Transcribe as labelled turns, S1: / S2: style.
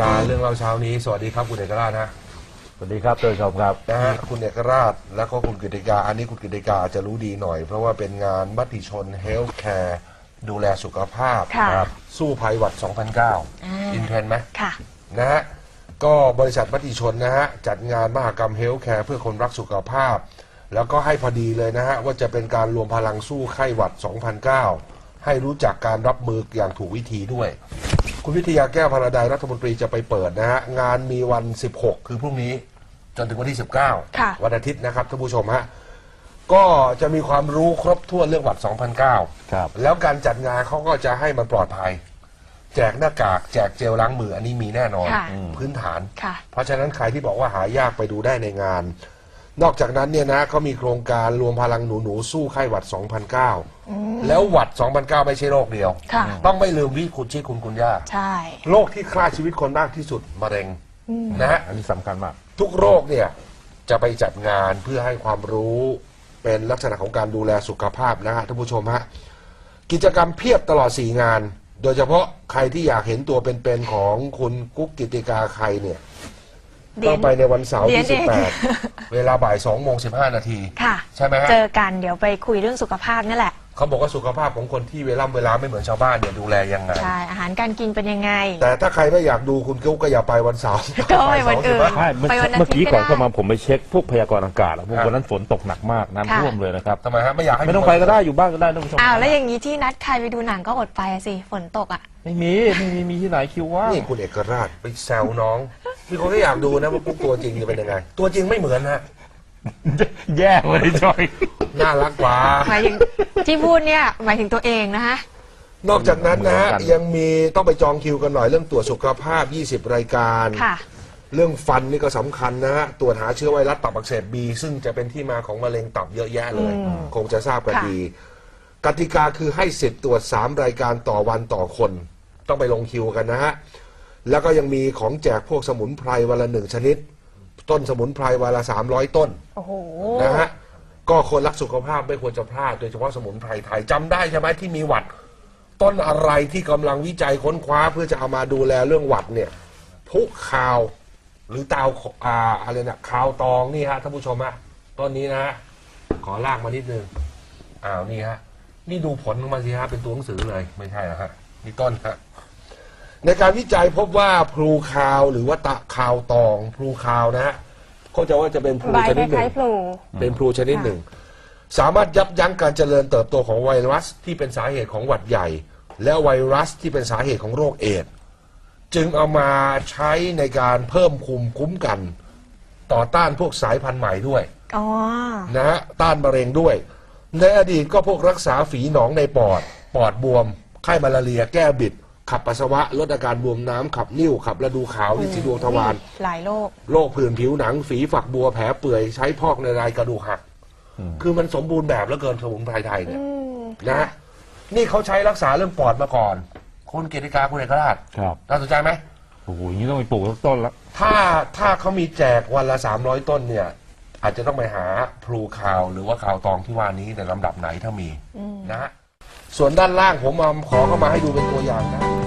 S1: การเรื่องเล่าเช้านี้สวัสดีครับคุณเอกราชนะ
S2: สวัสดีครับท่านผู้ชมครับ
S1: นะฮะคุณเอกราชแล้วก็คุณกฤติกาอันนี้คุณกฤติกาจะรู้ดีหน่อยเพราะว่าเป็นงานมติชนเฮลท์แคร์ดูแลสุขภาพสู้ภัยหวัด 2009 อินเทรนไหมค่ะนะฮะก็บริษัทมติชนนะฮะจัดงานมหกรรมเฮลท์แคร์เพื่อคนรักสุขภาพแล้วก็ให้พอดีเลยนะฮะว่าจะเป็นการรวมพลังสู้ไข้หวัด 2009 ให้รู้จักการรับมืออย่างถูกวิธีด้วยคุณวิทยาแก้วพราดายรัฐมนตรีจะไปเปิดนะฮะงานมีวัน 16 คือพรุ่งนี้จนถึงวันที่ 19 วันอาทิตย์นะครับท่านผู้ชมฮะก็จะมีความรู้ครบถ้วนเรื่องหวัด 2009
S2: ครับ
S1: แล้วการจัดงานเขาก็จะให้มันปลอดภัยแจกหน้ากากแจกเจลล้างมืออันนี้มีแน่นอนพื้นฐานเพราะฉะนั้นใครที่บอกว่าหายากไปดูได้ในงานนอกจากนั้นเนี่ยนะเขามีโครงการรวมพลังหนูสู้ไข้หวัด 2009 แล้วหวัด 2009 ไม่ใช่โรคเดียวต้องไม่ลืมวิคุณชื่อคุณย่า
S3: ใช่
S1: โรคที่ฆ่าชีวิตคนมากที่สุดมะเร็งนะฮะ
S2: อันนี้สำคัญมาก
S1: ทุกโรคเนี่ยจะไปจัดงานเพื่อให้ความรู้เป็นลักษณะของการดูแลสุขภาพนะฮะท่านผู้ชมฮะกิจกรรมเพียบตลอด4งานโดยเฉพาะใครที่อยากเห็นตัวเป็นๆของคุณกุ๊กกิติกาใครเนี่ยต้องไปในวันเสาร์ที่ 18 เวลาบ่าย 2:15 นาทีใช่ไหมฮะ
S3: เจอกันเดี๋ยวไปคุยเรื่องสุขภาพนี่แหละ
S1: เขาบอกว่าสุขภาพของคนที่เวลาไม่เหมือนชาวบ้านเนี่ยดูแลยังไง
S3: ใช่อาหารการกินเป็นยังไง
S1: แต่ถ้าใครไม่อยากดูคุณกุ๊กก็อย่าไปวันเสาร์
S3: ก็ไปวันอื่น
S2: เมื่อกี้ก่อนเข้ามาผมไปเช็คพวกพยากรณ์อากาศแล้วพวกวันนั้นฝนตกหนักมากน้ำท่วมเลยนะครับ
S1: ทำไมฮะไม่อยากให้
S2: ไม่ต้องไปก็ได้อยู่บ้านก็ได้ท่านผู้ชม
S3: แล้วอย่างนี้ที่นัดใครไปดูหนังก็อดไปสิฝนตกอ่ะ
S2: ไม่มีที่ไหนคิวว่า
S1: นี่คุณเอกราชไปแซวน้องมีคนก็อยากดูนะว่ากุ๊กตัวจริงจะเป็นยังไงตัวจริงไม่เหมือนฮะ
S2: แย่เลยจอย
S1: น่ารักกว่า
S3: หมายถึงที่พูดเนี่ยหมายถึงตัวเองนะฮะ
S1: นอกจากนั้นนะฮะยังมีต้องไปจองคิวกันหน่อยเรื่องตรวจสุขภาพ20รายการเรื่องฟันนี่ก็สำคัญนะฮะตรวจหาเชื้อไวรัสตับอักเสบบีซึ่งจะเป็นที่มาของมะเร็งตับเยอะแยะเลยคงจะทราบกันดีกติกาคือให้สิทธิ์ตรวจ3รายการต่อวันต่อคนต้องไปลงคิวกันนะฮะแล้วก็ยังมีของแจกพวกสมุนไพรวันละ1ชนิดต้นสมุนไพรวันละ300ต้นนะฮะก็คนรักสุขภาพไม่ควรจะพลาดโดยเฉพาะสมุนไพรไทยจำได้ใช่ไหมที่มีหวัดต้นอะไรที่กำลังวิจัยค้นคว้าเพื่อจะเอามาดูแลเรื่องหวัดเนี่ยพุคาวหรือเตาอะไรนะคาวตองนี่ฮะท่านผู้ชมฮะต้นนี้นะฮะขอลากมานิดนึงนี่ฮะนี่ดูผลของมันสิฮะเป็นตัวหนังสือเลยไม่ใช่นะฮะนี่ต้นฮะในการวิจัยพบว่าพลูคาวหรือว่าตะคาวตองพลูคาวนะฮะเขาจะว่าจะเป็นพลูชนิดหนึ่งเป็นพลูชนิดหนึ่งสามารถยับยั้งการเจริญเติบโตของไวรัสที่เป็นสาเหตุของหวัดใหญ่และไวรัสที่เป็นสาเหตุของโรคเอดส์จึงเอามาใช้ในการเพิ่มภูมิคุ้มกันต่อต้านพวกสายพันธุ์ใหม่ด้วยนะฮะต้านมะเร็งด้วยในอดีตก็พวกรักษาฝีหนองในปอดบวมไข้มาลาเรียแก้บิดขับปัสสาวะลดอาการบวมน้ำขับนิ่วขับระดูขาวลินสีดวงทวาร
S3: หลาย
S1: โรคผื่นผิวหนังฝีฝักบัวแผลเปื่อยใช้พอกในรายกระดูกหักคือมันสมบูรณ์แบบแล้วเกินสมุนไพรไทยเนี่ยนะนี่เขาใช้รักษาเรื่องปอดมาก่อนคุณเกติกาคุณเอกราชน่าสนใจไหม
S2: โอ้โหนี่ต้องไปปลูกต้นแล้ว
S1: ถ้าเขามีแจกวันละ300ต้นเนี่ยอาจจะต้องไปหาพลูคาวหรือว่าคาวตองที่ว่านี้ในลำดับไหนถ้ามีนะฮะส่วนด้านล่างผมขอเข้ามาให้ดูเป็นตัวอย่างนะ